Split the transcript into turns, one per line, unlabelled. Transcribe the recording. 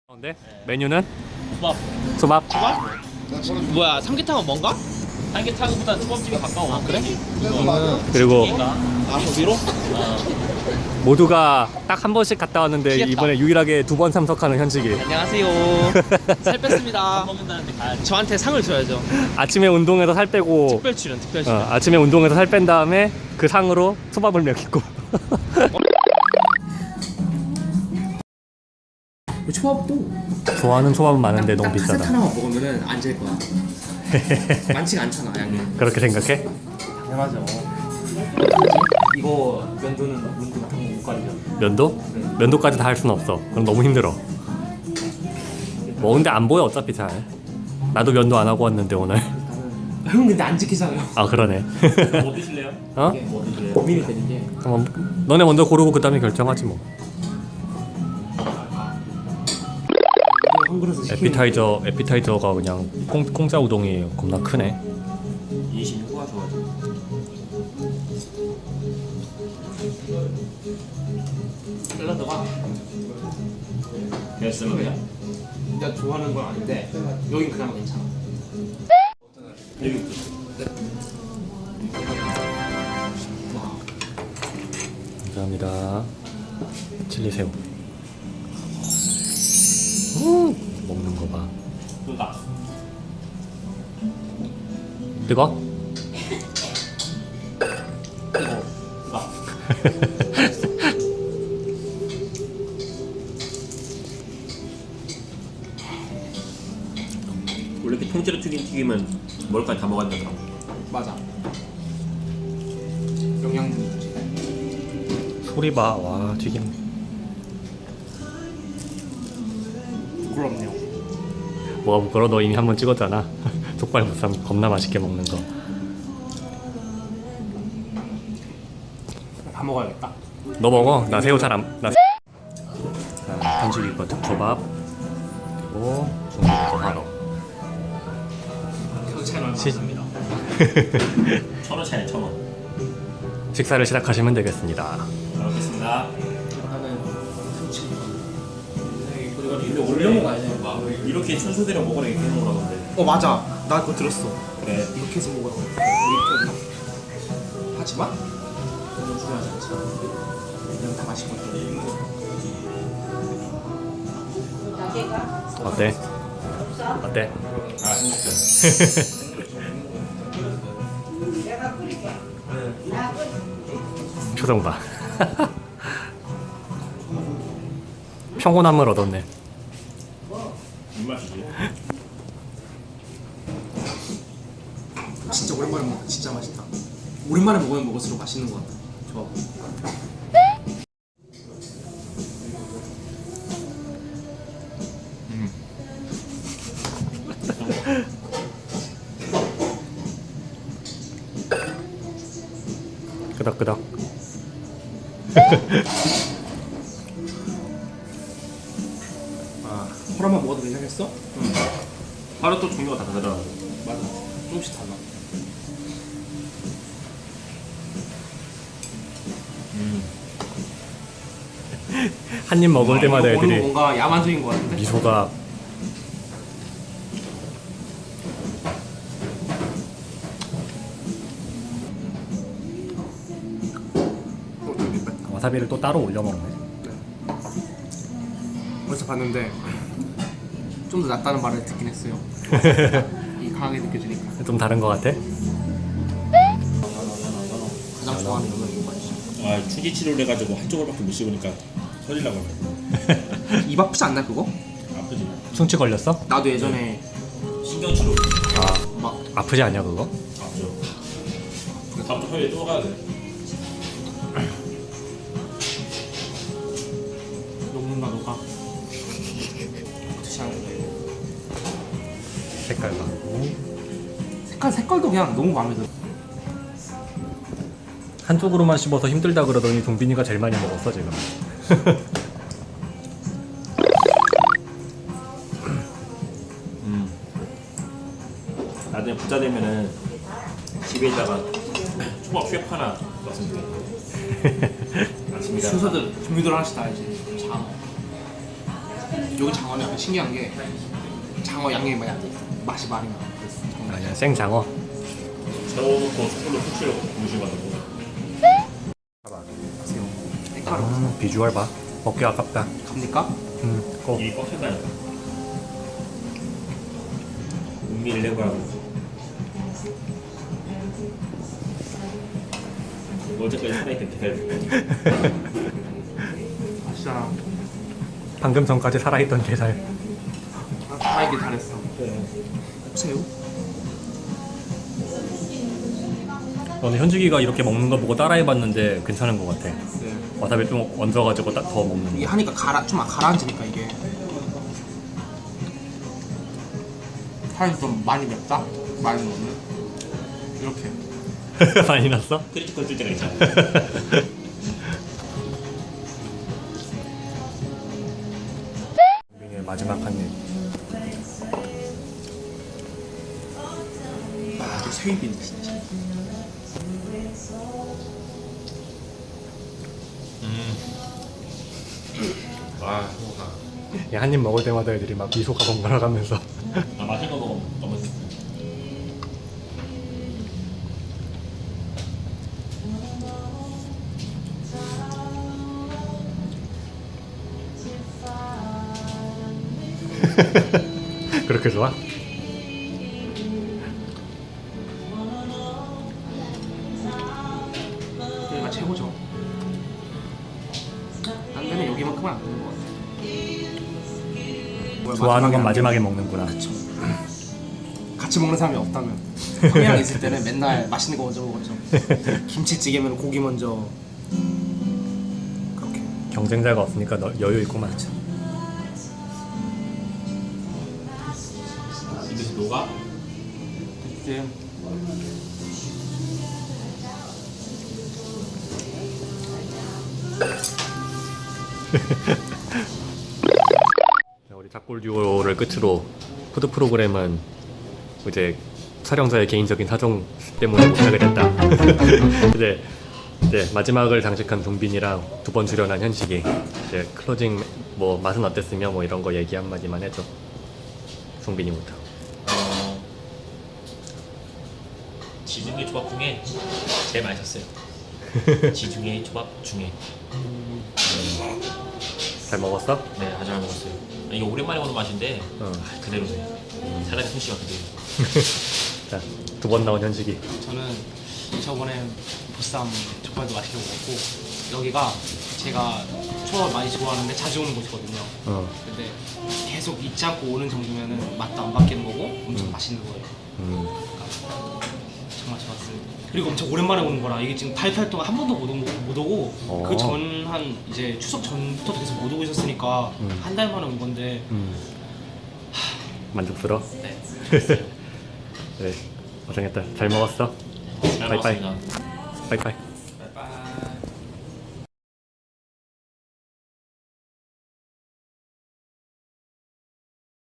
네? 메뉴는?
초밥.
초밥?
초밥? 뭐야, 삼계탕은 뭔가? 삼계탕보다 초밥집이 가까워. 아, 그래?
그리고
위로?
모두가 딱 한 번씩 갔다 왔는데
귀엽다.
이번에 유일하게 두 번 참석하는 현식이.
안녕하세요. 살 뺐습니다. 먹는다는데 가야지. 저한테 상을 줘야죠.
아침에 운동해서 살 빼고
특별 출연, 특별 출연.
아침에 운동해서 살 뺀 다음에 그 상으로 초밥을 먹이고.
초밥도
좋아하는 초밥은 많은데 너무
카세트
비싸다.
하나만 먹으면은 안 질 거야. 많지가 않잖아 양이.
그렇게 생각해?
당연하죠. 이거 면도는 문도 같은 거못 가리죠.
면도? 면도까지 다 할 수는 없어. 그럼 너무 힘들어. 뭐 근데 안 보여 어차피 잘. 나도 면도 안 하고 왔는데 오늘.
형 근데 안 지키잖아요.
아 그러네.
뭐 드실래요?
어?
이게 뭐 고민이 되는 게
너네 먼저 고르고 그 다음에 결정하지 뭐.
한 그릇을 시키는
에피타이저가 그냥 공짜 우동이 겁나 크네.
26호가 좋아져. 샐러드가
됐으면 그냥.
진짜 좋아하는 건 아닌데 여긴 그나마 괜찮아.
감사합니다. 칠리새우. 먹는 거 봐.
누가?
뜨거?
누가?
원래 이렇게 통째로 튀김은 뭘까지 다 먹었다더라.
맞아. 영양분이 좋지.
소리 봐. 와 튀김.
부끄럽네요.
뭐가 부끄러워? 너 이미 한 번 찍었잖아. 족발보쌈 겁나 맛있게 먹는 거.
다 먹어야겠다.
너 먹어. 나 새우 잘 안. 나. 자, 현식이 거 득초밥. 그리고 중국이 거 하러.
차이 얼마
시-
없습니다.
1,000원 차이네, 1,000원.
식사를 시작하시면 되겠습니다.
잘 먹겠습니다.
나는 참치.
근데
올려 먹어야 돼.
이렇게 순서대로 먹으라 이렇게 해놓으라 근데.
맞아. 나 그거 들었어.
그래.
이렇게 해서 먹어야 돼. 이렇게 해서. 하지만 너무 중요하지 않잖아. 그냥 다 맛있거든.
어때? 어때?
아, 행복해.
표정 봐. 평온함을 얻었네.
입맛이지.
진짜 오랜만에 먹으니까 진짜 맛있다. 오랜만에 먹으면 먹을수록 맛있는 것 같아. 좋아.
끄덕끄덕.
허락만 먹어도 괜찮겠어?
바로 또 종류가 다 다르더라고.
맞아. 조금씩 달라.
한 입 먹을 때마다
이거 보는 거
애들이
뭔가 야만적인 것 같은데.
미소가 와사비를 또 따로 올려 먹네.
벌써 봤는데 좀 더 낫다는 말을 듣긴 했어요. 이 강하게 느껴지니까.
좀 다른 것 같아?
가장 좋아하는 거는 이거 맛이야.
아, 추지 치료를 해가지고 한쪽으로밖에 못 씹으니까 터질라고 하네.
입 아프지 않나 그거?
아프지.
충치 걸렸어?
나도 예전에
신경치료.
막
아프지 않냐 그거?
아프죠. 다음 주 화요일에 또 가야 돼.
녹는다 녹아. 어떻게 하는 거야 이거?
색깔 봐고
색깔도 그냥 너무 마음에 들어.
한쪽으로만 씹어서 힘들다 그러더니 동빈이가 제일 많이 먹었어 지금.
나중에 부자 되면은 집에다가 초밥 휘업 하나 넣었으면 돼. 아침이라.
순서들 종류들 하나씩 다 이제 자. 여기 장어는 약간 신기한 게 장어 양념이 맛이 많이 나.
아니야 생장어.
세워놓고 숯불로 후추를 무심하는 거.
비주얼 봐. 먹기 아깝다.
갑니까?
꼭.
이 꽉찬다니까. 은밀 레고라고. 어제까지 살아있던 기다려.
맛있잖아.
방금 전까지 살아있던 게살.
살아있길 잘했어. 새우?
저는 현식이가 이렇게 먹는 거 보고 따라해봤는데 괜찮은 것 같아.
네.
와사비 좀 얹어가지고 딱 더 먹는
이게
거.
하니까 좀 가라앉으니까 이게 살이 좀 많이 맵다? 많이 먹는 이렇게.
많이 났어?
크리티컬 뜰 때가 있잖아.
민의 마지막 한 입.
아, 새우빈 진짜.
아,
한 입 먹을 때마다 애들이 막 미소가 번갈아가면서
아 맛있는 거 먹으면 너무
그렇게 좋아?
여기가 최고죠. 딴 데는 여기만큼은 안 되는 것 같아.
좋아하는 건 마지막에 먹는구나.
같이 먹는 사람이 없다면 형이랑 있을 때는 맨날 맛있는 거 먼저 먹었죠. 김치찌개면 고기 먼저. 그렇게.
경쟁자가 없으니까 너 여유 있구만.
입에서 녹아?
그때
우리 작골 듀오를 끝으로 푸드 프로그램은 이제 촬영자의 개인적인 사정 때문에 못하게 됐다. 이제 마지막을 장식한 동빈이랑 두 번 출연한 현식이 이제 클로징 뭐 맛은 어땠으며 뭐 이런 거 얘기 한마디만 해줘. 동빈이부터.
지중해 조합 중에 제일 맛있었어요. 지중해 조합 중에.
잘 먹었어?
네, 아주 잘 먹었어요. 이게 오랜만에 오는 맛인데
어.
그대로네. 사람의 솜씨가 그대로.
자, 두 번 나온 현식이.
저는 저번에 보쌈 족발도 맛있게 먹었고 여기가 제가 초밥 많이 좋아하는데 자주 오는 곳이거든요. 근데 계속 잊지 않고 오는 정도면은 맛도 안 바뀌는 거고 엄청 맛있는 거예요. 그러니까 정말 좋았습니다. 그리고 엄청 오랜만에 오는 거라 이게 지금 8개월 동안 한 번도 못 오고 그 전 한 이제 추석 전부터 계속 못 오고 있었으니까 한 달 만에 온 건데
만족스러워?
네.
네, 고생했다. 잘 먹었어.
잘
빠이빠이.
먹었습니다.
빠이빠이.